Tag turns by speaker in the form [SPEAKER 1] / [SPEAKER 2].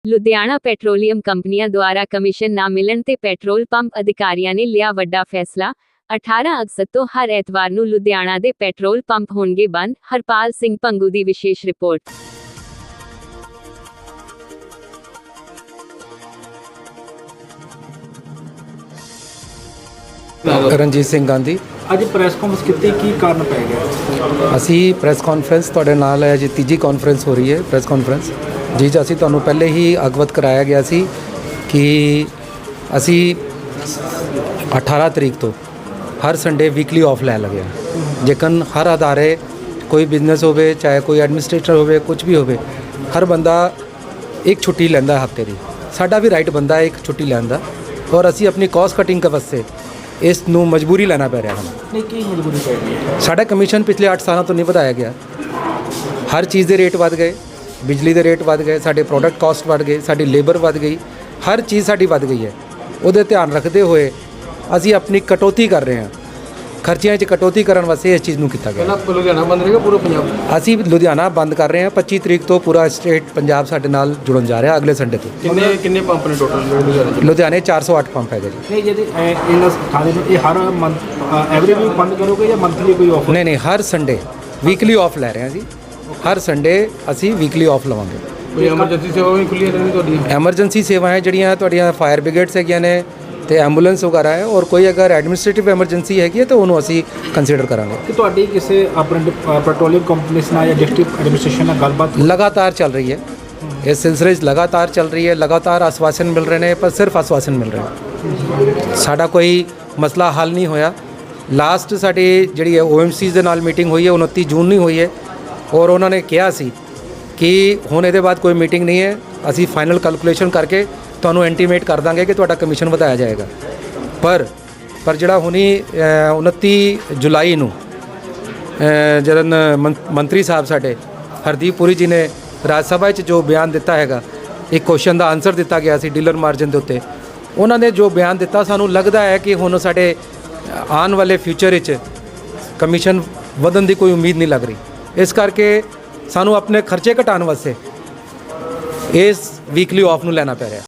[SPEAKER 1] Ludhiana petroleum ਕੰਪਨੀਆਂ ਦੁਆਰਾ commission ਨਾ ਮਿਲਣ ਤੇ ਪੈਟਰੋਲ ਪੰਪ ਅਧਿਕਾਰੀਆਂ ਨੇ ਲਿਆ ਵੱਡਾ ਫੈਸਲਾ। 18 ਅਗਸਤ ਤੋਂ ਹਰ ਐਤਵਾਰ ਨੂੰ ਲੁਧਿਆਣਾ ਦੇ ਪੈਟਰੋਲ ਪੰਪ ਹੋਣਗੇ ਬੰਦ। ਹਰਪਾਲ ਸਿੰਘ ਪੰਗੂ ਦੀ ਵਿਸ਼ੇਸ਼ ਰਿਪੋਰਟ।
[SPEAKER 2] ਰਣਜੀਤ ਸਿੰਘ ਗਾਂਧੀ।
[SPEAKER 3] ਅੱਜ ਪ੍ਰੈਸ ਕਾਨਫਰੰਸ ਕੀਤੀ, ਕੀ ਕਾਰਨ ਪੈ ਗਿਆ?
[SPEAKER 2] ਅਸੀਂ ਪ੍ਰੈਸ ਕਾਨਫਰੰਸ ਤੁਹਾਡੇ ਨਾਲ ਹੈ ਜੀ, ਤੀਜੀ ਕਾਨਫਰੰਸ ਹੋ ਰਹੀ ਹੈ ਪ੍ਰੈਸ ਕਾਨਫਰੰਸ ਜੀ। ਅਸੀਂ ਤੁਹਾਨੂੰ ਪਹਿਲੇ ਹੀ ਅਵਗਤ ਕਰਾਇਆ ਗਿਆ ਸੀ ਕਿ ਅਸੀਂ 18 ਤਰੀਕ ਤੋਂ ਹਰ ਸੰਡੇ ਵੀਕਲੀ ਆਫ ਲੈ ਲਗੇ। ਜੇਕਰ ਹਰ ਅਦਾਰੇ ਕੋਈ ਬਿਜ਼ਨਸ ਹੋਵੇ, ਚਾਹੇ ਕੋਈ ਐਡਮਿਨਿਸਟ੍ਰੇਟਰ ਹੋਵੇ, ਕੁਝ ਵੀ ਹੋਵੇ, ਹਰ ਬੰਦਾ ਇੱਕ ਛੁੱਟੀ ਲੈਂਦਾ ਹਫ਼ਤੇ ਦੀ। ਸਾਡਾ ਵੀ ਰਾਈਟ ਬੰਦਾ ਹੈ ਇੱਕ ਛੁੱਟੀ ਲੈਣ ਦਾ, ਔਰ ਅਸੀਂ ਆਪਣੀ ਕਾਸਟ ਕਟਿੰਗ ਵਾਸਤੇ ਇਸ ਨੂੰ ਮਜਬੂਰੀ ਲੈਣਾ ਪੈ ਰਿਹਾ ਸਾਨੂੰ।
[SPEAKER 3] ਨਹੀਂ, ਕੀ ਮਜਬੂਰੀ ਪੈ ਗਈ ਹੈ?
[SPEAKER 2] ਸਾਡਾ ਕਮਿਸ਼ਨ ਪਿਛਲੇ 8 ਸਾਲਾਂ ਤੋਂ ਨਹੀਂ ਵਧਾਇਆ ਗਿਆ। ਹਰ ਚੀਜ਼ ਦੇ ਰੇਟ ਵੱਧ ਗਏ, ਬਿਜਲੀ ਦੇ ਰੇਟ ਵੱਧ ਗਏ, ਸਾਡੇ ਪ੍ਰੋਡਕਟ ਕਾਸਟ ਵੱਧ ਗਏ, ਸਾਡੀ ਲੇਬਰ ਵੱਧ ਗਈ, ਹਰ ਚੀਜ਼ ਸਾਡੀ ਵੱਧ ਗਈ ਹੈ। ਉਹਦੇ ਧਿਆਨ ਰੱਖਦੇ ਹੋਏ ਅਸੀਂ ਆਪਣੀ ਕਟੌਤੀ ਕਰ ਰਹੇ ਹਾਂ। ਖਰਚਿਆਂ 'ਚ ਕਟੌਤੀ ਕਰਨ ਵਾਸਤੇ ਇਸ ਚੀਜ਼ ਨੂੰ ਕੀਤਾ ਗਿਆ।
[SPEAKER 3] ਲੁਧਿਆਣਾ ਬੰਦ ਰਹੇਗਾ ਪੂਰਾ ਪੰਜਾਬ?
[SPEAKER 2] ਅਸੀਂ ਲੁਧਿਆਣਾ ਬੰਦ ਕਰ ਰਹੇ ਹਾਂ। 25 ਤਰੀਕ ਤੋਂ ਪੂਰਾ ਸਟੇਟ ਪੰਜਾਬ ਸਾਡੇ ਨਾਲ ਜੁੜਨ ਜਾ ਰਿਹਾ ਅਗਲੇ ਸੰਡੇ ਤੋਂ।
[SPEAKER 3] ਕਿੰਨੇ ਪੰਪ ਨੇ ਟੋਟਲ
[SPEAKER 2] ਲੁਧਿਆਣੇ 408 ਪੰਪ ਹੈਗੇ ਜੀ।
[SPEAKER 3] ਨਹੀਂ, ਜਿਹਦੇ ਇਹਨਾਂ ਥਾਣੇ ਨੂੰ ਇਹ ਹਰ ਮੰਥ ਐਵਰੀ ਵੀਕ ਬੰਦ ਕਰੋਗੇ ਜਾਂ ਮੰਥਲੀ ਕੋਈ ਆਫਰ?
[SPEAKER 2] ਨਹੀਂ, ਹਰ ਸੰਡੇ ਵੀਕਲੀ ਆਫ ਲੈ ਰਹੇ ਹਾਂ ਜੀ। ਹਰ ਸੰਡੇ ਅਸੀਂ ਵੀਕਲੀ ਆਫ ਲਵਾਂਗੇ।
[SPEAKER 3] ਕੋਈ ਐਮਰਜੈਂਸੀ ਸੇਵਾ ਵੀ ਖੁੱਲ੍ਹੀ ਰਹਿਣੀ ਤੁਹਾਡੀ?
[SPEAKER 2] ਐਮਰਜੈਂਸੀ ਸੇਵਾਵਾਂ ਜਿਹੜੀਆਂ ਤੁਹਾਡੀਆਂ ਫਾਇਰ ਬ੍ਰਿਗੇਡਸ ਹੈਗੀਆਂ ਨੇ ਤੇ ਐਂਬੂਲੈਂਸ ਵਗੈਰਾ ਹੈ, ਔਰ ਕੋਈ ਅਗਰ ਐਡਮਿਨਿਸਟ੍ਰੇਟਿਵ ਐਮਰਜੈਂਸੀ ਹੈਗੀ ਹੈ ਤਾਂ ਉਹਨੂੰ ਅਸੀਂ ਕੰਸੀਡਰ ਕਰਾਂਗੇ।
[SPEAKER 3] ਕਿ ਤੁਹਾਡੀ ਕਿਸੇ ਆਪਣੇ ਪੈਟਰੋਲੀਅਮ ਕੰਪਨੀ ਨਾਲ ਜਾਂ ਡਿਸਟ੍ਰਿਕਟ ਐਡਮਿਨਿਸਟ੍ਰੇਸ਼ਨ ਨਾਲ ਗੱਲਬਾਤ
[SPEAKER 2] ਲਗਾਤਾਰ ਚੱਲ ਰਹੀ ਹੈ। ਇਸ ਸਿਲਸਿਲੇ 'ਚ ਲਗਾਤਾਰ ਚੱਲ ਰਹੀ ਹੈ। ਲਗਾਤਾਰ ਆਸ਼ਵਾਸਨ ਮਿਲ ਰਹੇ ਨੇ, ਪਰ ਸਿਰਫ ਆਸ਼ਵਾਸਨ ਮਿਲ ਰਹੇ ਨੇ। ਸਾਡਾ ਕੋਈ ਮਸਲਾ ਹੱਲ ਨਹੀਂ ਹੋਇਆ। ਲਾਸਟ ਸਾਡੀ ਜਿਹੜੀ ਹੈ OMCs ਦੇ ਨਾਲ ਮੀਟਿੰਗ ਹੋਈ ਹੈ 29 ਜੂਨ ਨੂੰ ਹੋਈ ਹੈ, ਔਰ ਉਹਨਾਂ ਨੇ ਕਿਹਾ ਸੀ ਕਿ ਹੁਣ ਇਹਦੇ ਬਾਅਦ ਕੋਈ ਮੀਟਿੰਗ ਨਹੀਂ ਹੈ। ਅਸੀਂ ਫਾਈਨਲ ਕੈਲਕੂਲੇਸ਼ਨ ਕਰਕੇ ਤੁਹਾਨੂੰ ਇੰਟੀਮੇਟ ਕਰ ਦਾਂਗੇ ਕਿ ਤੁਹਾਡਾ ਕਮਿਸ਼ਨ ਵਧਾਇਆ ਜਾਏਗਾ। ਪਰ ਜਿਹੜਾ ਹੁਣੀ 29 ਜੁਲਾਈ ਨੂੰ ਜਦੋਂ ਮੰਤਰੀ ਸਾਹਿਬ ਸਾਡੇ ਹਰਦੀਪ ਪੁਰੀ ਜੀ ਨੇ ਰਾਜ ਸਭਾ 'ਚ ਜੋ ਬਿਆਨ ਦਿੱਤਾ ਹੈਗਾ, ਇੱਕ ਕੁਐਸਚਨ ਦਾ ਆਨਸਰ ਦਿੱਤਾ ਗਿਆ ਸੀ ਡੀਲਰ ਮਾਰਜਨ ਦੇ ਉੱਤੇ, ਉਹਨਾਂ ਨੇ ਜੋ ਬਿਆਨ ਦਿੱਤਾ, ਸਾਨੂੰ ਲੱਗਦਾ ਹੈ ਕਿ ਹੁਣ ਸਾਡੇ ਆਉਣ ਵਾਲੇ ਫਿਊਚਰ ਵਿੱਚ ਕਮਿਸ਼ਨ ਵਧਣ ਦੀ ਕੋਈ ਉਮੀਦ ਨਹੀਂ ਲੱਗ ਰਹੀ। ਇਸ ਕਰਕੇ ਸਾਨੂੰ ਆਪਣੇ ਖਰਚੇ ਘਟਾਉਣ ਵਾਸਤੇ ਇਸ ਵੀਕਲੀ ਆਫ ਨੂੰ ਲੈਣਾ ਪੈ ਰਿਹਾ।